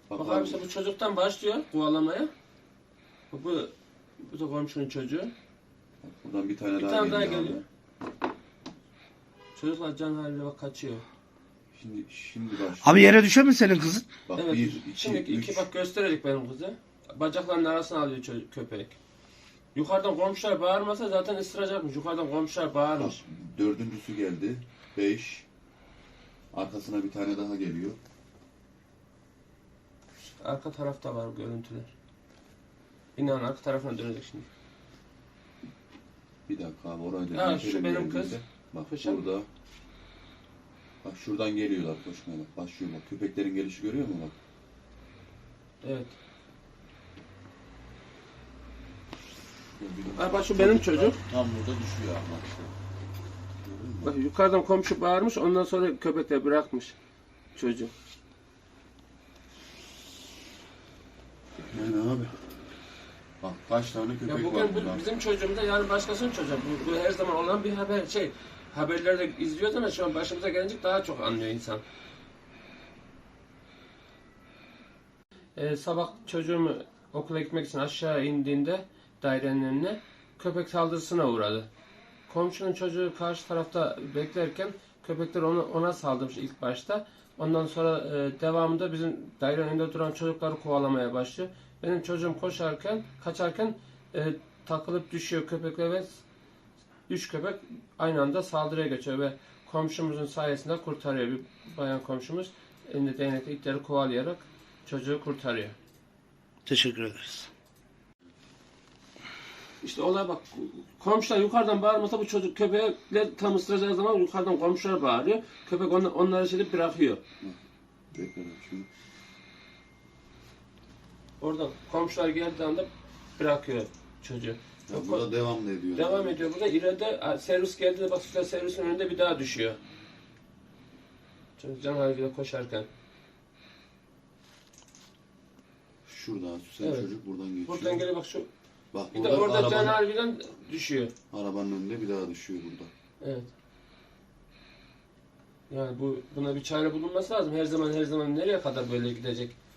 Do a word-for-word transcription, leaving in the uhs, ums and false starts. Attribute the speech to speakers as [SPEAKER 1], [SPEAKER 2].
[SPEAKER 1] Bak,
[SPEAKER 2] Bak
[SPEAKER 1] abi
[SPEAKER 2] abi işte bu çocuktan başlıyor kovalamaya. Bu, bu, bu da komşunun çocuğu.
[SPEAKER 1] Bak, buradan bir tane
[SPEAKER 2] Bir
[SPEAKER 1] daha
[SPEAKER 2] tane daha
[SPEAKER 1] geliyor.
[SPEAKER 2] geliyor. Çocuklar can haliyle bak kaçıyor.
[SPEAKER 1] Şimdi şimdi başlıyor.
[SPEAKER 3] Abi yere düşer mi senin kızın?
[SPEAKER 1] Bak
[SPEAKER 2] Evet.
[SPEAKER 1] bir, iki,
[SPEAKER 2] Şimdi
[SPEAKER 1] üç.
[SPEAKER 2] iki bak gösterelim benim kızı. Bacaklarının arasına alıyor çocuk, köpek. Yukarıdan komşular bağırmasa zaten ısıracakmış. Yukarıdan komşular
[SPEAKER 1] Bak,
[SPEAKER 2] bağırmış.
[SPEAKER 1] dördüncüsü geldi. Beş. Arkasına bir tane daha geliyor.
[SPEAKER 2] Arka tarafta var görüntüler. İnan arka tarafına dönecek şimdi.
[SPEAKER 1] Bir dakika abi orayı da
[SPEAKER 2] Ha,
[SPEAKER 1] geçelim
[SPEAKER 2] şu benim
[SPEAKER 1] yerimize.
[SPEAKER 2] kız.
[SPEAKER 1] Bak
[SPEAKER 2] Kışın.
[SPEAKER 1] burada. Bak şuradan geliyorlar koşmaya bak. Başlıyor bak. Köpeklerin gelişi görüyor musun bak?
[SPEAKER 2] Evet.
[SPEAKER 1] Gördün mü?
[SPEAKER 2] Ha, bak şu benim çocuk.
[SPEAKER 1] Tam burada düşüyor ama işte. Gördün mü?
[SPEAKER 2] Bak yukarıdan komşu bağırmış ondan sonra köpekler bırakmış çocuğu.
[SPEAKER 1] Yani abi. Bak kaç tane
[SPEAKER 2] Ya
[SPEAKER 1] köpek var
[SPEAKER 2] bugün
[SPEAKER 1] burada.
[SPEAKER 2] bu bizim çocuğumuz da yani başkasının çocuğu. Bu, bu her zaman olan bir haber şey. Haberlerde izliyoruz ama şu an başımıza gelince daha çok anlıyor insan. Ee, sabah çocuğum okula gitmek için aşağı indiğinde dairenin önüne köpek saldırısına uğradı. Komşunun çocuğu karşı tarafta beklerken köpekler onu ona saldırmış ilk başta. Ondan sonra e, devamında bizim dairenin önünde duran çocukları kovalamaya başlıyor. Benim çocuğum koşarken, kaçarken e, takılıp düşüyor köpekle ve üç köpek aynı anda saldırıya geçiyor ve komşumuzun sayesinde kurtarıyor. Bir bayan komşumuz elinde değnekle itleri kovalayarak çocuğu kurtarıyor.
[SPEAKER 3] Teşekkür ederiz.
[SPEAKER 2] İşte olay bak, komşular yukarıdan bağırmasa bu çocuk köpekler tam ısıracağı zaman yukarıdan komşular bağırıyor. Köpek on, onları şey bırakıyor.
[SPEAKER 1] Bekle bak şimdi.
[SPEAKER 2] Oradan komşular geldiği anda bırakıyor çocuğu.
[SPEAKER 1] Ya burada devam da ediyor.
[SPEAKER 2] Devam ediyor burada. İleride servis geldiğinde bak süper servisin önünde bir daha düşüyor. Çocuk can haliyle koşarken.
[SPEAKER 1] Şurada süsen
[SPEAKER 2] Evet.
[SPEAKER 1] çocuk buradan geçiyor.
[SPEAKER 2] Buradan geliyor bak şu.
[SPEAKER 1] Bak
[SPEAKER 2] Bir de
[SPEAKER 1] burada
[SPEAKER 2] orada can
[SPEAKER 1] arabanın,
[SPEAKER 2] haliyle düşüyor.
[SPEAKER 1] arabanın önünde bir daha düşüyor burada.
[SPEAKER 2] Evet. Yani bu buna bir çare bulunması lazım. Her zaman her zaman nereye kadar böyle gidecek?